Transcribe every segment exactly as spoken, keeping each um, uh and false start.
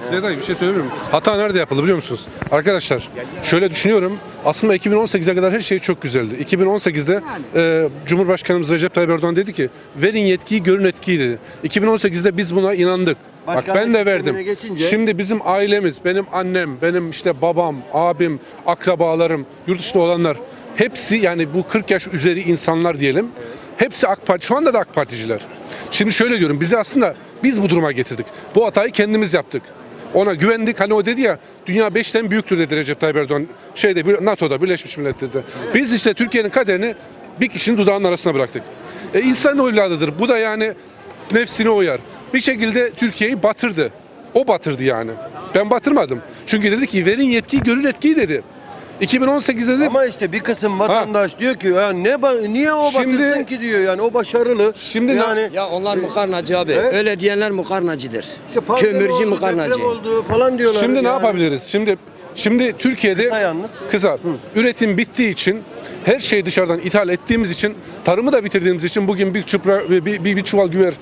Size dayı bir şey söyleyeyim mi? Hata nerede yapıldı biliyor musunuz? Arkadaşlar şöyle düşünüyorum. Aslında iki bin on sekize kadar her şey çok güzeldi. iki bin on sekizde e, Cumhurbaşkanımız Recep Tayyip Erdoğan dedi ki verin yetkiyi görün etkiyi dedi. iki bin on sekizde biz buna inandık. Bak ben de verdim. Geçince... Şimdi bizim ailemiz, benim annem, benim işte babam, abim, akrabalarım, yurt dışında olanlar hepsi yani bu kırk yaş üzeri insanlar diyelim. Hepsi AK Parti. Şu anda da AK Particiler. Şimdi şöyle diyorum. Bizi aslında biz bu duruma getirdik. Bu hatayı kendimiz yaptık. Ona güvendik. Hani o dedi ya dünya beşten büyüktür dedi Recep Tayyip Erdoğan. Şeyde NATO'da Birleşmiş Milletler'de. Biz işte Türkiye'nin kaderini bir kişinin dudağının arasına bıraktık. E, insan evladıdır. Bu da yani nefsine uyar. Bir şekilde Türkiye'yi batırdı. O batırdı yani. Ben batırmadım. Çünkü dedi ki verin yetkiyi görün etkiyi dedi. iki bin on sekizde de ama işte bir kısım vatandaş ha. diyor ki ya ne niye o şimdi, batırsın ki diyor yani o başarılı. Şimdi yani ya onlar mukarnacı abi. He? Öyle diyenler mukarnacıdır. İşte kömürcü oldu, mukarnacı. oldu falan diyorlar. Şimdi yani. ne yapabiliriz? Şimdi şimdi Türkiye'de kısa yalnız. Kısa. Hı. Üretim bittiği için her şeyi dışarıdan ithal ettiğimiz için tarımı da bitirdiğimiz için bugün bir çupra bir, bir, bir çuval güver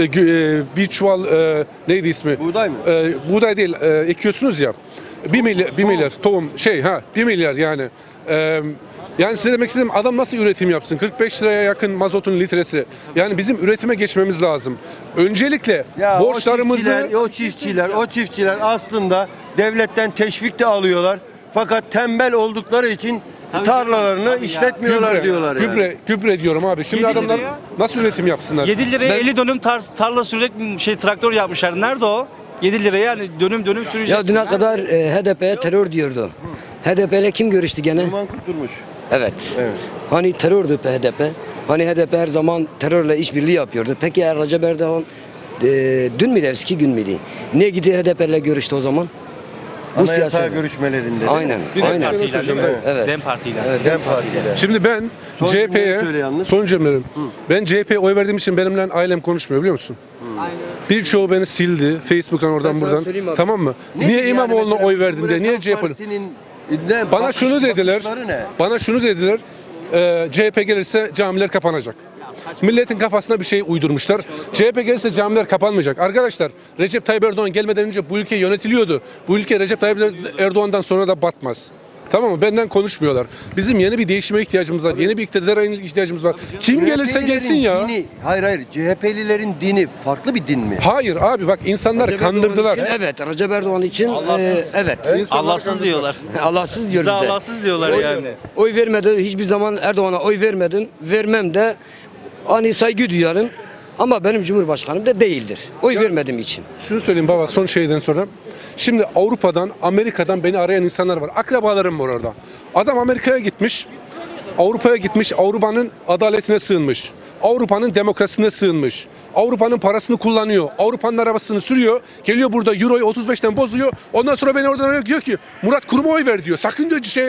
bir çuval e, neydi ismi? Buğday mı? E, buğday değil e, ekiyorsunuz ya. bir milyar bir milyar tohum şey ha bir milyar yani. E, Yani size demek istedim adam nasıl üretim yapsın? kırk beş liraya yakın mazotun litresi. Yani bizim üretime geçmemiz lazım. Öncelikle ya borçlarımızı... O çiftçiler, o çiftçiler, o çiftçiler aslında devletten teşvik de alıyorlar. Fakat tembel oldukları için tabii tarlalarını tabii işletmiyorlar gübre, diyorlar yani. Gübre, gübre diyorum abi. Şimdi adamlar liraya, nasıl üretim yapsınlar? yedi liraya ben... elli dönüm tar tarla sürecek şey traktör yapmışlar. Nerede o? yedi liraya yani dönüm dönüm sürecek. Ya düne kadar e, H D P'ye terör diyordu. Hı. H D P ile kim görüştü gene? Numan Kurtulmuş. Evet. evet. Hani terördü H D P. Hani H D P her zaman terörle işbirliği yapıyordu. Peki ya Recep Erdoğan e, dün müydü, eski gün müydü? Niye gitti H D P ile görüştü o zaman? Bu Anayasa görüşmelerinde. Aynen. Bir aynen. Dem Parti'yle. Evet. Dem Parti'yle. Evet, Dem Parti'yle. Şimdi ben son C H P'ye son cümlelerim. Ben C H P'ye oy verdiğim için benimle ailem konuşmuyor biliyor musun? Birçoğu beni sildi. Facebook'tan oradan buradan. Tamam mı? Ne niye yani İmamoğlu'na oy verdin de niye C H P'ye? Bana bakış, şunu dediler. Bana şunu dediler. E, C H P gelirse camiler kapanacak. Milletin kafasına bir şey uydurmuşlar. C H P gelirse camiler kapanmayacak. Arkadaşlar Recep Tayyip Erdoğan gelmeden önce bu ülke yönetiliyordu. Bu ülke Recep Tayyip Erdoğan'dan sonra da batmaz. Tamam mı? Benden konuşmuyorlar. Bizim yeni bir değişime ihtiyacımız var. Yeni bir iktidara ihtiyacımız var. Kim gelirse gelsin ya. Dini, hayır hayır. C H P'lilerin dini farklı bir din mi? Hayır abi bak insanlar Recep kandırdılar. Için, evet. Recep Erdoğan için Allahsız. e, evet. evet. Allahsız diyorlar. Allahsız diyor bize. bize. Allahsız diyorlar oy, yani. Oy vermedi. Hiçbir zaman Erdoğan'a oy vermedim. Vermem de hani saygı duyarım. Ama benim Cumhurbaşkanım da değildir. Oy ya, vermediğim için. Şunu söyleyeyim baba son şeyden sonra. Şimdi Avrupa'dan, Amerika'dan beni arayan insanlar var. Akrabalarım var orada. Adam Amerika'ya gitmiş. Avrupa'ya gitmiş. Avrupa'nın adaletine sığınmış. Avrupa'nın demokrasisine sığınmış. Avrupa'nın parasını kullanıyor. Avrupa'nın arabasını sürüyor. Geliyor burada Euro'yu otuz beşten bozuyor. Ondan sonra beni oradan arıyor diyor ki Murat Kurum'a oy ver diyor. Sakın diyor şey,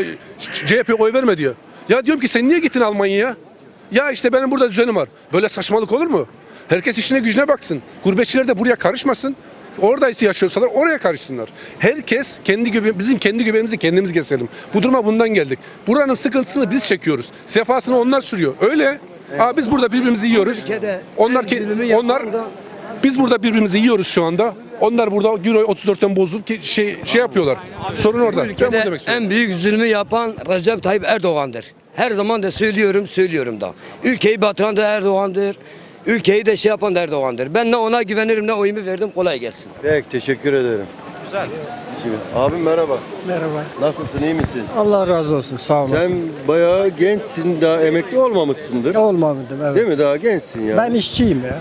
C H P'ye oy verme diyor. Ya diyorum ki sen niye gittin Almanya'ya? Ya işte benim burada düzenim var. Böyle saçmalık olur mu? Herkes işine gücüne baksın. Gurbetçiler de buraya karışmasın. Oradaysa yaşıyorsalar oraya karışsınlar. Herkes kendi göbeğimizi, bizim kendi göbeğimizi kendimiz keselim. Bu duruma bundan geldik. Buranın sıkıntısını biz çekiyoruz. Sefasını onlar sürüyor. Öyle. Evet. Aa, biz burada birbirimizi yiyoruz. Onlar ki onlar da... biz burada birbirimizi yiyoruz şu anda. Onlar burada Euro'yu otuz dörtten bozup ki şey şey yapıyorlar. Sorun orada. Bu ülkede en büyük zulmü yapan Recep Tayyip Erdoğan'dır. Her zaman da söylüyorum, söylüyorum da. Ülkeyi batıran da Erdoğan'dır. Ülkeyi de şey yapan da Erdoğan'dır. Ben ne ona güvenirim ne oyumu verdim. Kolay gelsin. Peki teşekkür ederim. Güzel. Abim merhaba. Merhaba. Nasılsın, iyi misin? Allah razı olsun, sağ olasın. Sen bayağı gençsin, daha emekli olmamışsındır. Olmadım, evet. Değil mi? Daha gençsin ya. Ben işçiyim ya.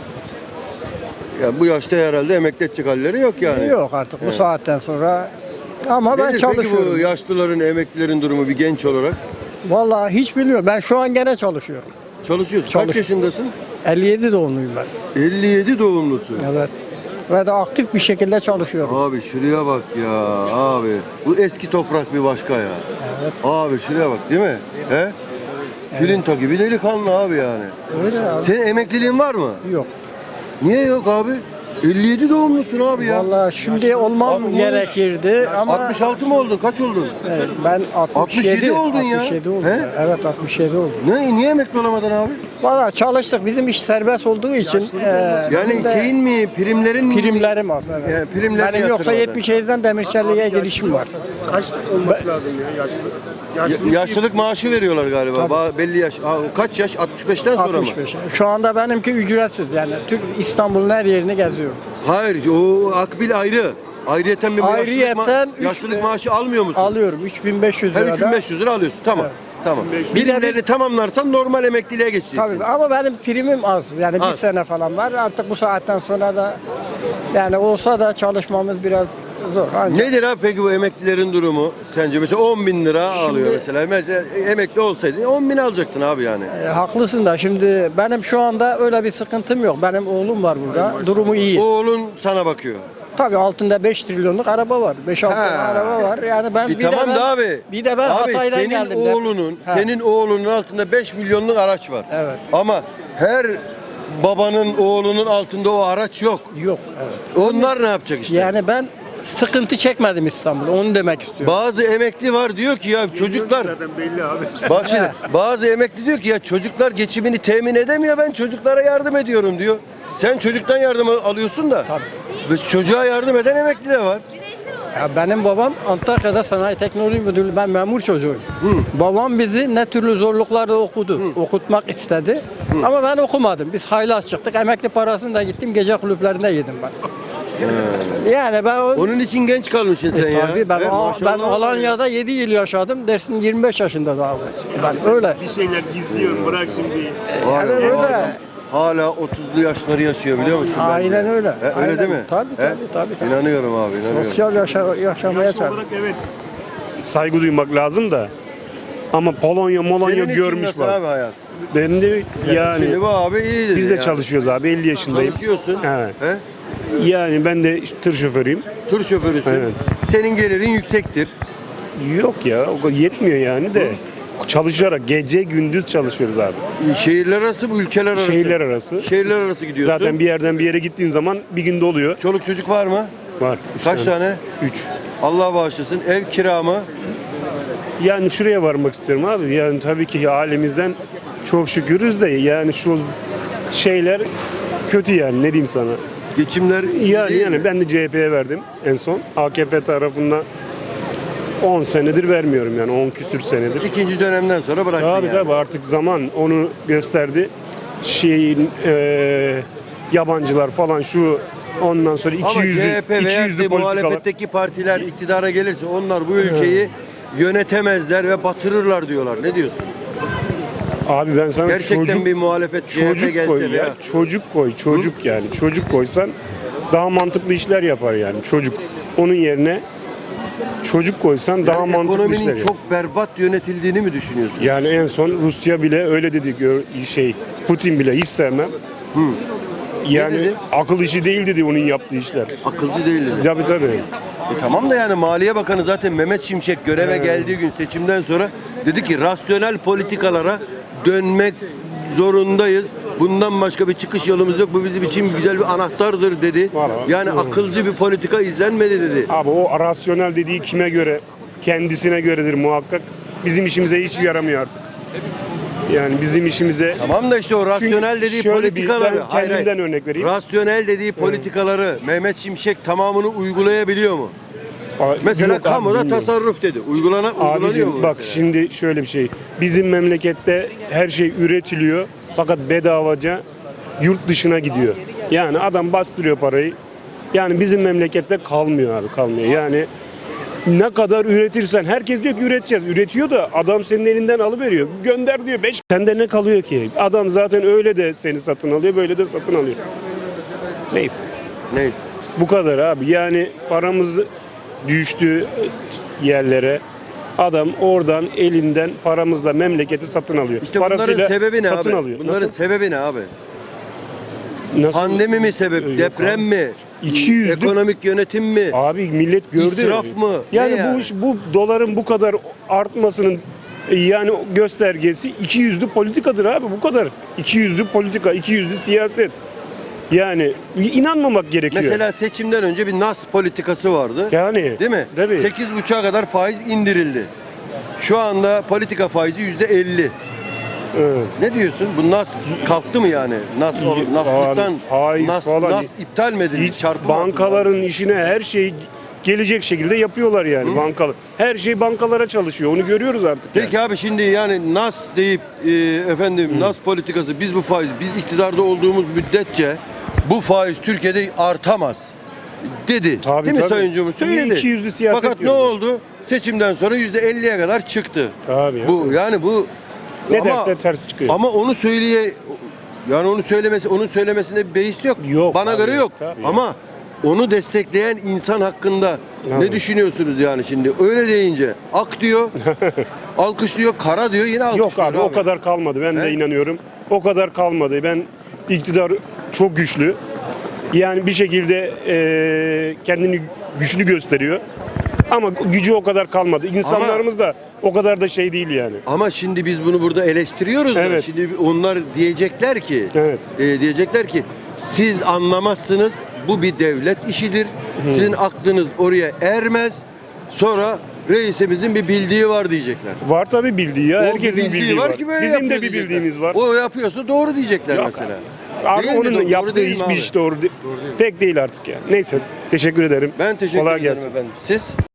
Ya bu yaşta herhalde emekli edecek halleri yok yani. Yok artık bu Evet. saatten sonra. Ama ben Nedir çalışıyorum. peki bu yaşlıların, emeklilerin durumu bir genç olarak? Vallahi hiç bilmiyorum. Ben şu an gene çalışıyorum. Çalışıyorsun. Çalış- Kaç yaşındasın? elli yedi doğumluyum ben. elli yedi doğumlusun. Evet. Ve de aktif bir şekilde çalışıyorum. Abi şuraya bak ya abi. Bu eski toprak bir başka ya. Evet. Abi şuraya bak değil mi? He? Filinta gibi delikanlı abi yani. Öyle abi. Senin emekliliğin var mı? Yok. Niye yok abi? elli yedi doğumlusun abi ya. Vallahi şimdi olmam Altmış. gerekirdi ama altmış altı mı oldun? Kaç oldun? evet, ben altmış yedi altmış yedi oldun ya. altmış yedi oldum. He? Evet altmış yedi oldum. Ne, niye emekli olamadın abi? Valla çalıştık. Bizim iş serbest olduğu için e, Yani bizim de şeyin mi, primlerin mi? primlerim az. Evet. Yani primler Benim yoksa yatırmadın. yetmiş yediden Demirçeli'ye girişim var. Kaç olması lazım ya yaşlı? Ya- yaşlılık maaşı veriyorlar galiba. Tabii. Ba- belli yaş. Aa, kaç yaş? altmış beşten sonra mı? altmış beş. Şu anda benimki ücretsiz yani. Türk İstanbul'un her yerini geziyorum. Hayır, o akbil ayrı. Ayrıyeten bir Ayrıyeten yaşlılık, ma- üç- yaşlılık maaşı almıyor musun? Alıyorum üç bin beş yüz Ha, lira. üç bin beş yüz lira alıyorsun. Tamam. Evet. Tamam. Bir de Primlerini biz- tamamlarsan normal emekliliğe geçeceksin. Tabii ama benim primim az. Yani bir Az. sene falan var. Artık bu saatten sonra da yani olsa da çalışmamız biraz zor. Ancak Nedir abi peki bu emeklilerin durumu? Sence mesela on bin lira Şimdi- alıyor mesela. Mesela emekli olsaydın on bin alacaktın abi yani. e, haklısın da şimdi benim şu anda öyle bir sıkıntım yok. Benim oğlum var burada. Durumu iyi. Oğlun sana bakıyor. Tabii altında beş trilyonluk araba var. beş altı Ha. tane araba var. Yani ben Bir bir, tamam de ben, da abi. bir de ben abi Hatay'dan senin geldim. de- oğlunun, Ha. senin oğlunun altında beş milyonluk araç var. Evet. Ama her babanın oğlunun altında o araç yok. Yok. Evet. Onlar ne yapacak işte? Yani ben sıkıntı çekmedim İstanbul'da. Onu demek istiyorum. Bazı emekli var diyor ki ya çocuklar Zaten belli abi. bak şimdi bazı emekli diyor ki ya çocuklar geçimini temin edemiyor ben çocuklara yardım ediyorum diyor. Sen çocuktan yardım al- alıyorsun da Tabii. biz çocuğa yardım eden emekli de var. Ya benim babam Antakya'da Sanayi Teknoloji Müdürlüğü, ben memur çocuğuyum. Hı. Babam bizi ne türlü zorluklarla okudu, okutmak istedi. Ama ben okumadım. Biz haylaz çıktık. Emekli parasını da gittim gece kulüplerinde yedim ben. Yani ben o, Onun için genç kalmışsın sen E, ya. tabii ben, He, Al- maşallah. ben Alanya'da yedi yıl yaşadım. Dersin yirmi beş yaşında daha. Ben öyle. Bir şeyler gizliyorum bırak şimdi. Var Yani ya, öyle. bu adam Hala otuzlu yaşları yaşıyor biliyor musun? Aynen bence? öyle. He, öyle Aynen. değil mi? Tabii, He? tabii, tabii, tabii. İnanıyorum abi inanıyorum. Sosyal yaşa, yaşamaya Yaş sahip. olarak evet saygı duymak lazım da. Ama Polonya, Molonya Senin için görmüş nasıl var. abi hayat? Ben de yani Şimdi bu abi iyidir biz de yani. çalışıyoruz abi. elli yaşındayım. Çalışıyorsun. Evet. He? Yani ben de tır şoförüyüm. Tur şoförüsün. Evet. Senin gelirin yüksektir. Yok ya o kadar yetmiyor yani de. Çalışarak gece gündüz çalışıyoruz abi. Şehirler arası bu ülkeler arası. Şehirler arası. Şehirler arası gidiyorsun. Zaten bir yerden bir yere gittiğin zaman bir günde oluyor. Çoluk çocuk var mı? Var. Üç Kaç tane? Üç. Allah bağışlasın. Ev kira mı? Yani şuraya varmak istiyorum abi. Yani tabii ki halimizden çok şükürüz de yani şu şeyler kötü yani ne diyeyim sana. Geçimler iyi Yani değil yani mi? ben de C H P'ye verdim en son. A K P tarafından on senedir vermiyorum yani on küsür senedir. İkinci dönemden sonra bıraktın Tabii yani. tabii artık zaman onu gösterdi. Şeyin eee yabancılar falan şu ondan sonra Ama iki yüzlü C H P iki veya yüzlü de politikalar. muhalefetteki partiler iktidara gelirse onlar bu ülkeyi yönetemezler ve batırırlar diyorlar. Ne diyorsun? Abi ben sana Gerçekten çocuk bir muhalefet C H P çocuk gelse koy veya ya. Çocuk koy, çocuk yani. Çocuk koysan daha mantıklı işler yapar yani çocuk. Onun yerine çocuk koysan daha Yani mantıklı işler ekonominin yapar. çok berbat yönetildiğini mi düşünüyorsun? Yani en son Rusya bile öyle dedi gör- şey Putin bile hiç sevmem. Hı. Yani dedi? akıl işi değil dedi onun yaptığı işler. Akılcı değil dedi. Tabii tabii. E tamam da yani Maliye Bakanı zaten Mehmet Şimşek göreve geldiği gün seçimden sonra dedi ki rasyonel politikalara dönmek zorundayız. Bundan başka bir çıkış yolumuz yok. Bu bizim için güzel bir anahtardır dedi. Var, var. Yani Hı. akılcı bir politika izlenmedi dedi. Abi o rasyonel dediği kime göre? Kendisine göredir muhakkak. Bizim işimize hiç yaramıyor artık. Yani bizim işimize Tamam da işte o rasyonel Çünkü dediği şöyle bir- politikaları. ben hayır, hayır. kendimden örnek vereyim. Rasyonel dediği politikaları Mehmet Şimşek tamamını uygulayabiliyor mu? Aa, Mesela yok abi, kamuda bilmiyorum. tasarruf dedi. Uygulana, uygulanıyor Abicim mu bak mesela? şimdi şöyle bir şey. Bizim memlekette her şey üretiliyor fakat bedavaca yurt dışına gidiyor. Yani adam bastırıyor parayı. Yani bizim memlekette kalmıyor abi kalmıyor. Yani ne kadar üretirsen herkes diyor ki üreteceğiz. Üretiyor da adam senin elinden alıveriyor. Gönder diyor beş. Sende ne kalıyor ki? Adam zaten öyle de seni satın alıyor böyle de satın alıyor. Neyse. Neyse. Bu kadar abi. Yani paramız düştü yerlere. Adam oradan elinden paramızla memleketi satın alıyor. İşte bunların sebebi ne satın abi? alıyor. Bunların Nasıl? sebebi ne abi? Nasıl? Pandemi mi sebep? Yok Deprem abi. mi? iki yüzlük Ekonomik yönetim mi? Abi millet gördü. İsraf mı? Yani, Ne yani? bu iş bu doların bu kadar artmasının e, yani göstergesi iki yüzlü politikadır abi bu kadar. iki yüzlü politika, iki yüzlü siyaset. Yani inanmamak gerekiyor. Mesela seçimden önce bir nas politikası vardı. yani Değil mi? Tabii. sekiz buçuğa kadar faiz indirildi. Şu anda politika faizi yüzde elli. Evet. Ne diyorsun? Bu nas kalktı mı yani? Nas, İyi, naslıktan faiz nas, falan. nas iptal mi edildi? Hiç Çarpı mı bankaların atıldı? işine her şeyi gelecek şekilde yapıyorlar yani Hı. bankalar. Her şey bankalara çalışıyor. Onu görüyoruz artık. Peki abi şimdi yani nas deyip e, efendim Hı. nas politikası biz bu faiz biz iktidarda olduğumuz müddetçe bu faiz Türkiye'de artamaz dedi. Tabii, Değil mi tabii. Sayın Cumhurbaşkanı? Söyledi. İki yüzlü siyaset Fakat ne diyoruz. oldu? Seçimden sonra yüzde elliye kadar çıktı. Tabii. ya. Bu yani bu ne ama, derse ters çıkıyor. ama onu söyleye yani onu söylemesi onun söylemesinde bir beis yok. Yok Bana abi, göre yok. tabii. Ama onu destekleyen insan hakkında ne Tabii. düşünüyorsunuz yani şimdi? Öyle deyince ak diyor, alkışlıyor, kara diyor, yine alkışlıyor. Yok abi, o kadar kalmadı. Ben He? de inanıyorum. O kadar kalmadı. Ben iktidar çok güçlü. Yani bir şekilde eee, kendini güçlü gösteriyor. Ama gücü o kadar kalmadı. İnsanlarımız da o kadar da şey değil yani. Ama şimdi biz bunu burada eleştiriyoruz da Evet. şimdi onlar diyecekler ki Evet. e, diyecekler ki siz anlamazsınız, bu bir devlet işidir. Hı. Sizin aklınız oraya ermez. Sonra reisimizin bir bildiği var diyecekler. Var tabii bildiği ya. O bir Herkesin bildiği var. ki böyle Bizim yapıyor de bir diyecekler. bildiğimiz var. O yapıyorsa doğru diyecekler Yok mesela. Abi Değil mi? onun Doğru yaptığı değil mi hiçbir abi? iş doğru, değil. Pek değil artık yani. Neyse, teşekkür ederim. Ben teşekkür Kolay ederim gelsin. efendim. Siz?